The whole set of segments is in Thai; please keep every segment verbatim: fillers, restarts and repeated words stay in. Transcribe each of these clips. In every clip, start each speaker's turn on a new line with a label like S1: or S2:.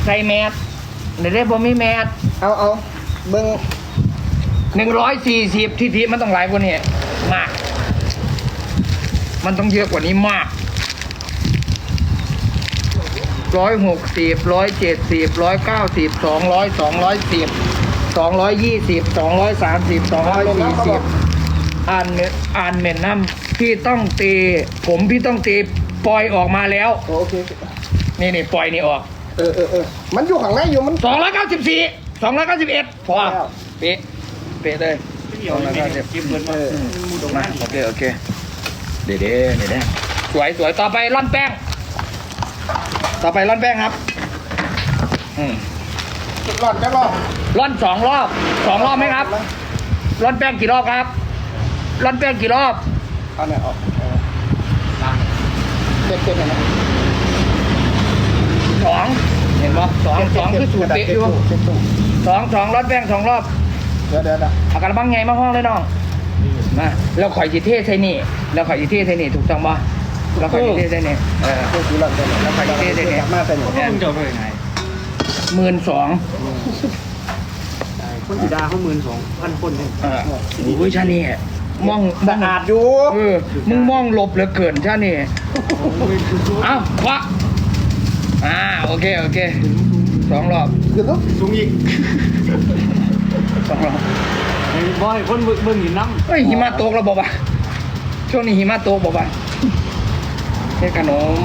S1: ใส่แมสเดี๋ยวได้บ่มีแมส
S2: เอาเอาเบิ้ง
S1: หนึ่งร้อยสี่สิบทีทีมันต้องหลายกว่านี้มาก มันต้องเยอะกว่านี้มากร้อยหกสิบร้อยเจ็ดสิบร้อยเก้าสิบสองร้อยสองร้อยสิบสองร้อยยี่สิบสองร้อยสามสิบสองร้อยสี่สิบอ่านเมนอ่านเมนน้ำพี่ต้องตีผมพี่ต้องตีปล่อยออกมาแล้ว
S2: โอเค
S1: นี่นี่ปล่อยนี่ออก
S2: เออเออเออมันอยู่ข้างในอยู่มัน
S1: สองร้อยเก้าสิบสี่สองร้อยเก้าสิบเอ็ดพอ
S2: แล้ว
S1: เป๊ะเป๊ะเลยสองร้อยเก้าสิบ
S3: จิ้มเงิน
S2: เอ
S3: มา
S2: อ
S1: มาโอเคโอเคเดี๋ยวเดี๋ยวเดี๋ยวเดี๋ยวสวยสวยต่อไปร่อนแป้ง ต่อไปร่อนแป้งครับอืม
S2: รอดจะรอด
S1: ร่อนสองรอบสองรอบไหมครับร่อนแป้งกี่รอบครับร่อนแป้งกี่รอบ
S2: เอาเนี่ยออกเออเต็มเต็มเลยนะ
S1: สองเห็นปะสองสองคือสูตรเป๊ะอยู่
S2: เต็มตู้
S1: สองสองร่อนแป้งสองรอบ
S2: เดี๋ยวเดี๋ยวเดี๋ยว
S1: เอากระบังไงมาห้องเลยน้องมาแล้วข่อยจีเทใส่นี่แล้วข่อยจีเทใส่นี่ถูกต้องปะแล้วข่อยจีเทใส่นี่เออ
S2: เพื่อซื้อรอดได้เลยแล้วใครจะได้เนี่ยมาใส่หมด
S3: พวกมึงจะเอาไปไหน
S1: หมื่นสอง
S3: คนสีดาเขาหมื่นสองพันคนเอง
S1: เออโอ้ยชานี่มองม
S2: สะ
S1: อง
S2: อาดอยู่
S1: เออมึงมองหลบเหลือเกินชานี่เอ้าควะอ่าโอเคโอเคสองรอบ
S2: คือลูก
S3: สูงอีก
S1: สองรอบ
S3: ไอ้บอยคนเบิ่งหินน้ำ
S1: เฮ้ยหิมะตกแล้วบอกว่าช่วงนี้หิมะตกบอกว่าแค่ขนม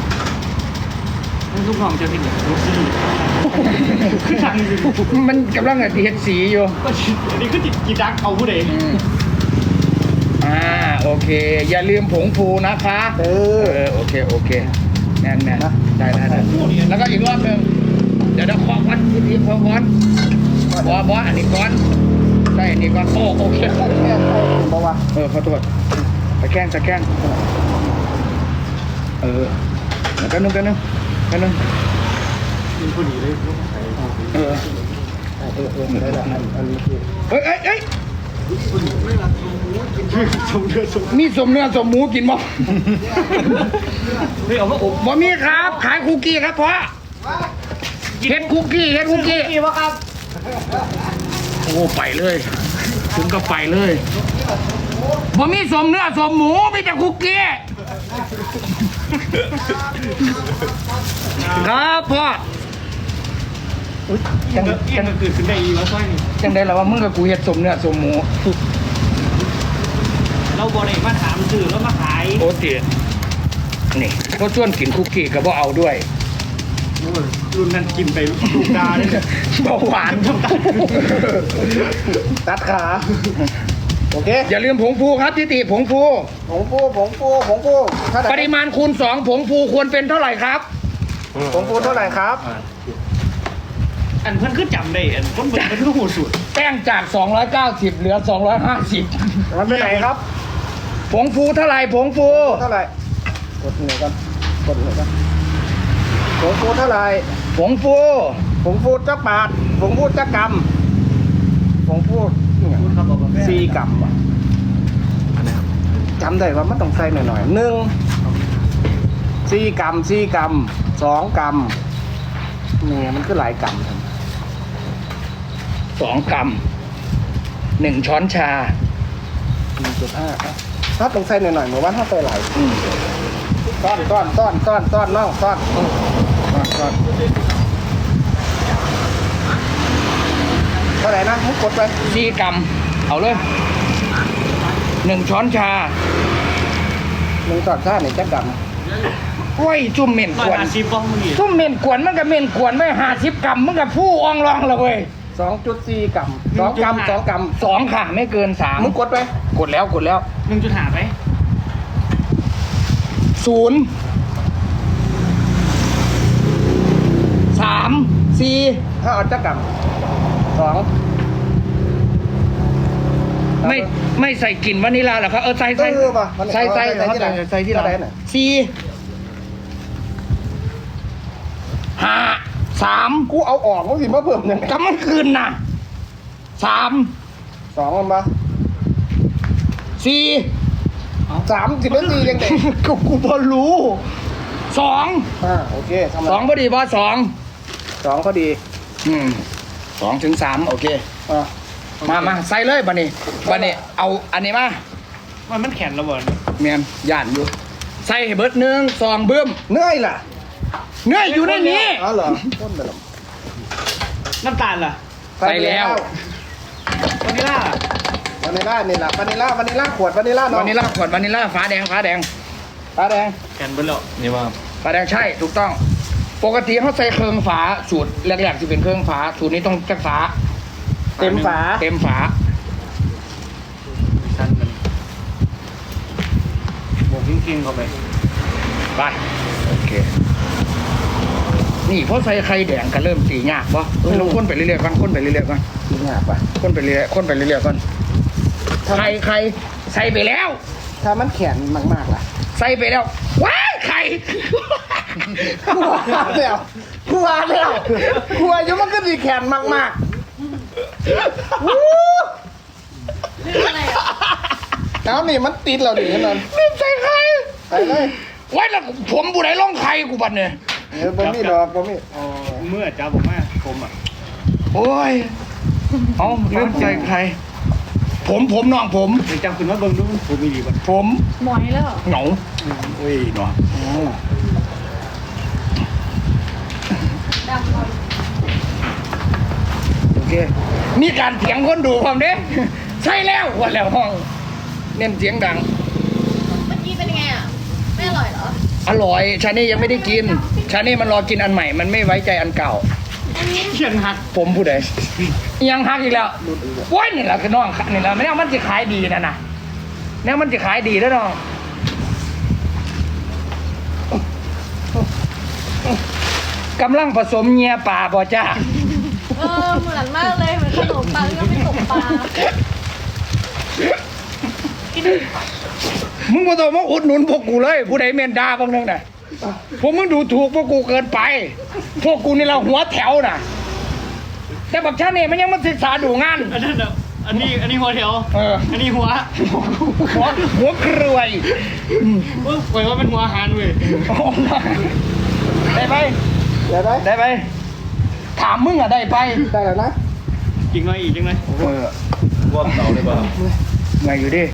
S3: มันทุกห้องจะเป็นรถซี่คือทางนี้
S1: มันกำลังอะเฮ็ดสีอยู่
S3: ก็อันนี้คือจิตจิตดักเอาผู้ใด
S1: อืมอ่าโอเค อย่าลืมผงฟูนะคะ
S2: เอ
S1: เอ
S2: อ
S1: อโอเคโอเคแน่นแน่นได้ได้ได้แล้วก็อีกรอบหนึ่งเดี๋ยวเดี๋ยวขอควันทีทีขอควันบอบออันนี้ก่อนใช่อันนี้ก่อนโอ้โอเค
S2: แค่แค่บอกว่า
S1: เออขอโทษตะแกล้งตะแกล้งเออแล้วกันนึงกันนึงกันนึง
S3: มีผู้ดีเลย
S1: เออ
S2: เออเออได้ละอันอันนี้คือ
S1: เฮ้ยเอ้ยเอ้ย
S3: สมเดือดสม
S1: มีสมเนื้อสมหมูกินบ่
S3: เฮ้ยเอามาอบ
S1: บ่มีครับ ขายคุกกี้ครับพ่อเฮ็ดคุกกี้เฮ็ดคุกกี้
S3: กี่วะครับ
S1: โอ้ไปเลยถึงก็ไปเลยบ่มีสมเนื้อสมหมูมีแต่คุกกี้ครับพ่อ
S3: ยังยังเกิดขึ้นได้อีกแล้วสร้อยนี่
S1: จังได้แล้วว่ามึงกับกูเฮ็ดสมเนื้อสมหมู
S3: เราบอได้มาถามสื่อแล้วมาขาย
S1: โอ้เตี๋ยนี่ก็ชวนกินคุกกี้ก็บ่เอาด้วย
S3: รุ่นนั้นกินไปลูกดาเลย
S1: เบาหวาน
S2: ตัดขาโอเค
S1: อย่าลืมผงฟูครับทิติผงฟู
S2: ผงฟูผงฟูผงฟูเท่าไห
S1: ป
S2: ร่
S1: ริมาณคูณสองผงฟูควรเป็นเท่าไหร่ครับ
S2: ผงฟูเท่าไหร่ครับ
S3: อันเพื่อนคือจำได้อันคนเบิ่งเป็นลูกหูสุด
S1: แป้งจากสองร้อยเก้าสิบเหลือสองร้อยห้าสิบ
S2: มันไปไหนครับ
S1: ผงฟูเท่าไหร่ผงฟู
S2: เท่าไหร่กดเหนือกันกดเหนือกันผงฟูเท่าไหร่
S1: ผงฟู
S2: ผงฟูจักบาทผงฟูจักกำผงฟูเนี่ย
S3: คุณครับบอกกาแฟ
S2: สี่กำว่ะ
S3: อันนี้ครับ
S2: จำได้ว่ามันต้องใส่หน่อยๆหนึ่งสี่กำสี่กำสองกำเนี่ยมันคือหลายกำครับ
S1: สองกรัมหนึ่งช้อนชา
S2: หนึ่งจุดห้าครับถ้าต้องใส่หน่อยๆเหมือนว่าถ้าใส่หลาย
S1: อืม
S2: ต้อนต้อนต้อนต้อนต้อนน้องต้อนอืมต้อนต้อนเท่าไหร่นะให้กดไป
S1: สี่กรัมเอาเลยหนึ่งช้อนชา
S2: หนึ่งตอนซ่าเนี่ยจักก
S1: โอ้ยจุ่มเหม็น
S3: ร้อก ย
S1: วน
S3: ห้าสิบบ้องมึงอีก
S1: จุ่มเหม็นกวนมันก็เหม็นกวนไม่ห้าสิบกรัมมันก็ผู้อองรองเลยเว้ย
S2: ำสองจุดสี่กำสองกำสองก
S1: สองค่ะไม่เกินสาม
S2: ำมึงกดไป
S1: กดแล้วกดแล้ว
S3: หนึ่งจุดห้าไป
S1: ศูนย์สามสี่
S2: ถ้าเอาจักกำสอง
S1: ไม่ไม่ใส่กลิ่นวานิลลาเหรอครับเออใส่ใส่
S2: เออป่ะมัน
S1: ใส่ใส่
S2: เอาใส่ที่ไหน
S1: ใส่ที่ไหน
S2: ใส่ที่ไหน
S1: สี่ห้าสาม
S2: กูเอาออกมึงสิมาเพิ่มยังไง
S1: กำมันคืนน่ะสาม
S2: สองมันปะ
S1: สี่
S2: สามสิบนาทียังไง
S1: กูกูพอรู้สอง
S2: อ่าโอเคทำไม
S1: สองพอดีบอสอง
S2: สองพอดี
S1: อืมสองถึงสามโอเค
S2: อ่ะ
S1: มามาใส่เลยบันนี้บันนี้เอาอันนี้มา
S3: มันมันแข็งระเบิด
S1: เมียนย่านอยู่ ใส่ให้เบิดหนึ่งสองเบิ้ม
S2: เนื่อยล่ะ
S1: เนื้ออยู่ในนี้
S2: อ๋อเหรอต้นไปหรอ
S3: น้ำตาลล่ะ
S1: ใส่แล้ว
S3: วานิลลาว
S2: านิลลานี่แหละวานิลลาวานิลลาขวดวานิลลาเนาะ
S1: วานิลลาขวดวานิลลาฟ้าแดงฟ้าแดง
S2: ตาแดง
S3: แข็งเบิดแล้วนี่ว่า
S1: ฟ้าแดงใช่ถูกต้อง ปกติเขาใส่เครื่องฝาสูตรแรกๆจะเป็นเครื่องฝาสูตรนี้ต้องจักฝา
S2: เต็มฝา
S1: เต็มฝา
S3: ชั้นมันบวกกิ้งๆเข้าไป
S1: ไปโอเค นี่เพราะใส่ไข่แดงก็เริ่มตียากปะเออลองค้นไปเรื่อยๆก่อนค้นไปเรื่อยๆก่อน
S2: จริงอ่ะปะ
S1: ค้นไปเรื่อยๆค้นไปเรื่อยๆก่อนไข่ไข่ใส่ไปแล้ว
S2: ถ้ามันแข็งมากๆล่ะ
S1: ใส่ไปแล้วว้ายไข่
S2: กลัวแล้วกลัวแล้วกลัวอยู่มันก็ดีแข็งมากๆวู้
S4: อะไรอ่ะ
S2: น้ำนี่มันติดเราดินั่น
S1: ลืมใส่ไข่
S2: ไปเลย
S1: ไว้แล้วผมบุไหนล่องไข่กูบัดเนี่ย
S2: เออบ่มีดอกบ่มี
S3: อ๋อเมื่อจ้าผมว่าผมอ่ะ
S1: โอ้ยเอาลืมใส่ไข่ผมผมน้องผม
S3: เดี๋ยวจำคุณว่าเบิ่งดูผมมีดีป่ะ
S1: ผม
S4: หมอยแล้วเหรอ
S1: เหงาโอ้ยเนาะ
S4: ดำก่อน
S1: โอเคนี่การเถียงคนดูความเด้ใช่แล้วว่าแล้วห้องเน้นเสียงดัง
S4: เมื่อกี้เป็นยังไงอ่ะ ไม่อร่อยเหรอ
S1: อร่อยชานี่ยังไม่ได้กิน ชานี่มันรอกินอันใหม่ มันไม่ไว้ใจอันเก่า
S4: อันนี้
S3: เขียนหัก
S1: ผมผู้ใดยังฮักอีกแล้วโว้ยนี่แหละคือน้องนี่แหละไม่แน่มันจะขายดีนะนะแน่มันจะขายดีแล้วน้องกำลังผสมเงียป่าบ่จ้า
S4: เออเหมือนมากเลยเหมือนขนมปังก็ไม่ตกปลากิน
S1: มึงมาต้องมาอุดหนุนพวกกูเลย ผู้ใดเมนดาบ้างนึงน่ะพวกมึงดูถูกพวกกูเกินไป พวกกูนี่เราหัวแถวน่ะ แต่บักชาเนี่ยมันยังมาศึกษาดูงาน
S3: อันนั้นอ่ะอันนี้อันนี้หัวแถว
S1: เออ
S3: อันนี้หัว
S1: หัวหัวกรวย
S3: เว้ยปล่อยว่าเป็นหัวอาหารเว้ย
S1: ได้ไป
S2: เดี๋ยวได้
S1: ได้ไป ถามมึงอะได้ไป
S2: ได้แล้วนะ
S3: จริงไหมอีกจริงไหม
S1: เออ
S3: ว่าเต่าเลยป่ะ
S1: ไงอยู่ดิ